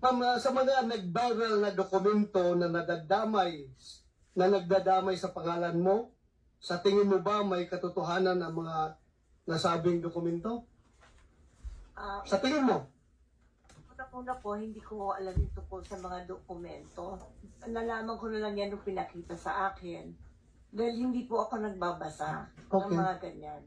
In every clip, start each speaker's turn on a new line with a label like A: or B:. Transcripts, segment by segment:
A: Ma'am, sa mga nag-viral na dokumento na nagdadamay sa pangalan mo, sa tingin mo ba may katotohanan ang mga nasabing dokumento? Sa tingin mo?
B: Una po, hindi ko alam ito po sa mga dokumento. Nalaman ko na lang yan nung pinakita sa akin. Dahil hindi po ako nagbabasa ng
A: Okay.
B: mga ganyan.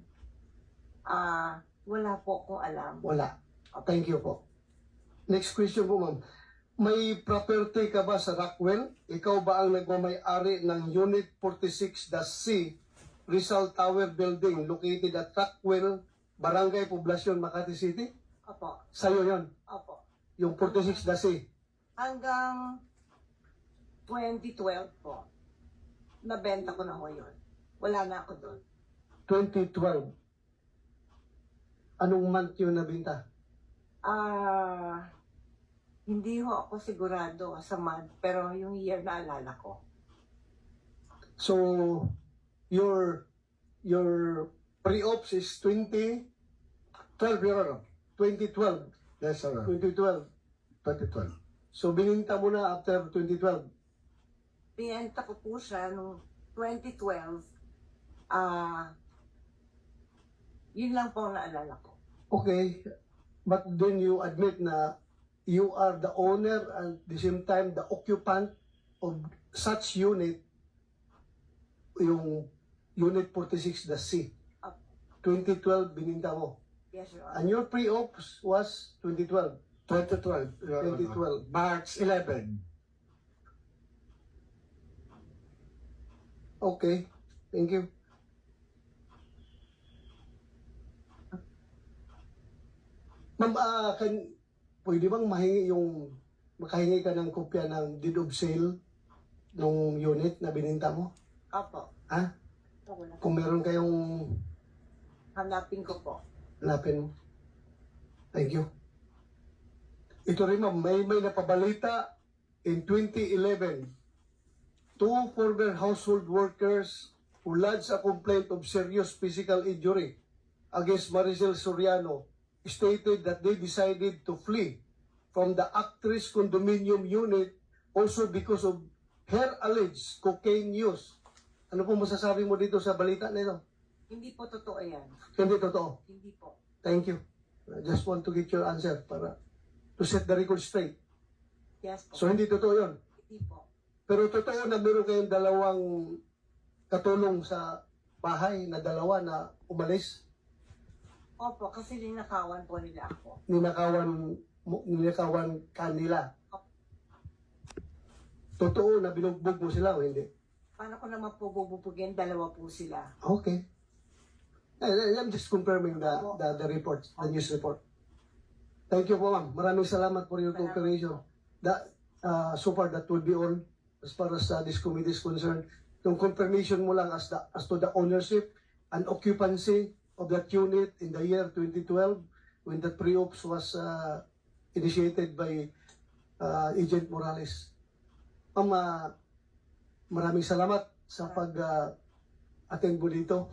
B: Wala po akong alam.
A: Wala. Thank you po. Next question po, ma'am. May property ka ba sa Rockwell? Ikaw ba ang nagmamay-ari ng Unit 46-C Rizal Tower Building located at Rockwell, Barangay Poblacion, Makati City?
B: Opo.
A: Sa'yo yon,
B: Opo.
A: yung 46-C.
B: Hanggang 2012 po, nabenta ko na ho yun. Wala na ako doon.
A: 2012. Anong month yun nabinta?
B: Hindi ho ako sigurado sa month, pero yung year na alala ko.
A: So, your pre-ops is 2012, Your Honor. 2012.
C: Yes, sir.
A: 2012.
C: 2012.
A: So, bininta mo na after 2012.
B: Binenta ko po siya noong 2012. Yun lang po ang naalala ko.
A: Okay. But then you admit na you are the owner and at the same time the occupant of such unit, yung Unit 46, the C. 2012, bininta mo.
B: Yes, Your Honor.
A: And your pre-ops was 2012.
C: 2012. Your Honor.
A: 2012.
C: March 11.
A: Okay. Thank you. Ma'am, pwede bang makahingi ka ng kopya ng deed of sale ng unit na bininta mo?
B: Opo.
A: Ha?
B: Wala.
A: Kung meron kayong
B: Hanapin ko po.
A: hanapin mo. Thank you. Ito rin ma'am, may napabalita in 2011. Two former household workers who lodged a complaint of serious physical injury against Maricel Soriano stated that they decided to flee from the actress condominium unit also because of her alleged cocaine use. Ano po masasabi mo dito sa balita na ito?
B: Hindi po totoo yan.
A: Hindi totoo.
B: Hindi po.
A: Thank you. I just want to get your answer para to set the record straight.
B: Yes po.
A: So hindi totoo yun.
B: Hindi po.
A: Pero totoo na meron kayong dalawang katulong sa bahay na dalawa na umalis.
B: Opo, kasi linakawan po nila ako.
A: Ninakawan kanila. Totoo na binugbog mo sila o hindi?
B: Paano ko naman po bububugin? Dalawa po sila.
A: Okay. I'm just confirming the report, the news report. Thank you po ma'am. Maraming salamat for your cooperation. So far that will be all as far as this committee is concerned. Yung confirmation mo lang as to the ownership and occupancy of that unit in the year 2012 when the pre-ops was initiated by Agent Morales. Ma'am, maraming salamat sa pag-attend mo dito.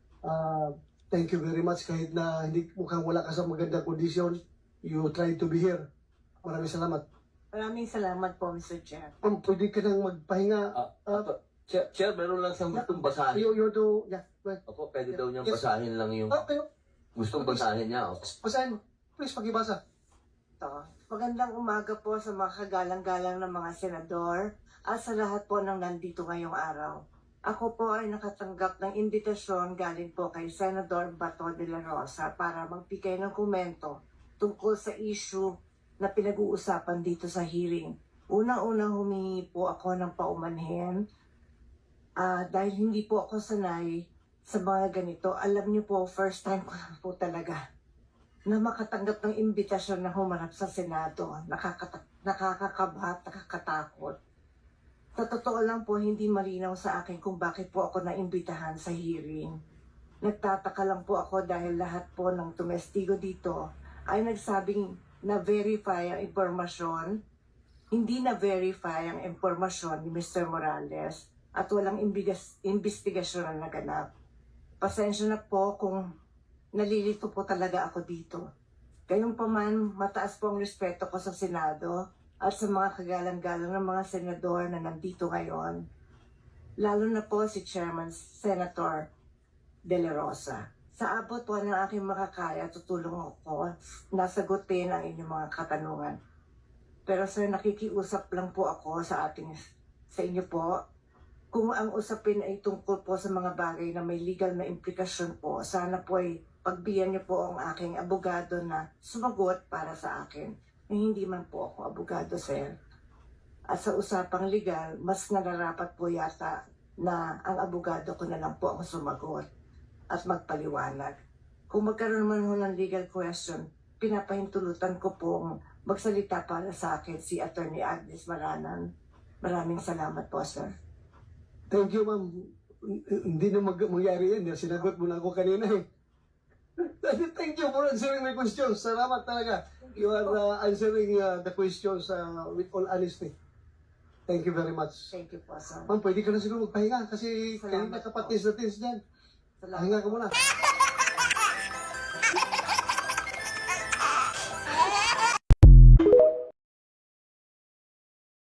A: Thank you very much. Kahit na mukhang wala ka sa magandang kondisyon, you try to be here. Maraming salamat.
B: Maraming salamat po, Mr. Chair.
A: Ma'am, pwede ka nang magpahinga.
D: Chair, meron lang siyang gustong basahin.
A: You do, yeah, right.
D: Opo, pwede daw niyang
A: Yes.
D: basahin lang yung
A: Okay,
D: gustong basahin niya. Opo.
A: basahin mo. Please, pakibasa.
B: Ito. Magandang umaga po sa mga kagalang-galang ng mga senador at sa lahat po ng nandito ngayong araw. Ako po ay nakatanggap ng imbitasyon galing po kay Senador Bato de la Rosa para magbigay ng komento tungkol sa issue na pinag-uusapan dito sa hearing. Unang-unang humingi po ako ng paumanhin dahil hindi po ako sanay sa mga ganito. Alam niyo po, first time ko lang po talaga na makatanggap ng imbitasyon na humarap sa Senado. Nakakakabahat, nakakatakot. Sa totoo lang po, hindi malinaw sa akin kung bakit po ako naimbitahan sa hearing. Nagtataka lang po ako dahil lahat po ng tumestigo dito ay nagsabing na-verify ang impormasyon, hindi na-verify ang impormasyon ni Mr. Morales at walang investigasyon na naganap. Pasensya na po kung nalilito po talaga ako dito. Gayunpaman, mataas po ang respeto ko sa Senado at sa mga kagalang-galang ng mga senador na nandito ngayon, lalo na po si Chairman Senator De La Rosa. Sa abot po ng aking makakaya, tutulong ako na sagutin ang inyong mga katanungan. Pero sir, nakikiusap lang po ako sa inyo po. Kung ang usapin ay tungkol po sa mga bagay na may legal na implikasyon po, sana po ay pagbiyan niyo po ang aking abogado na sumagot para sa akin. Hindi man po ako abogado, sir. At sa usapang legal, mas nararapat po yata na ang abogado ko na lang po ang sumagot at magpaliwanag. Kung magkaroon man ho ng legal question, pinapahintulutan ko pong magsalita para sa akin si Attorney Agnes Maranan. Maraming salamat po, sir.
A: Thank you, ma'am. Hindi na mangyari yan. Sinagot mo na ako kanina eh. Thank you for answering my questions. Salamat talaga. You are answering the questions with all honesty. Thank you very much.
B: Thank you po, sir.
A: Ma'am, pwede ka na siguro magpahinga kasi
B: Salamat
A: kanina
B: po.
A: kapatis na tins dyan.
B: Salamat
A: Pahinga ka
B: po.
A: muna.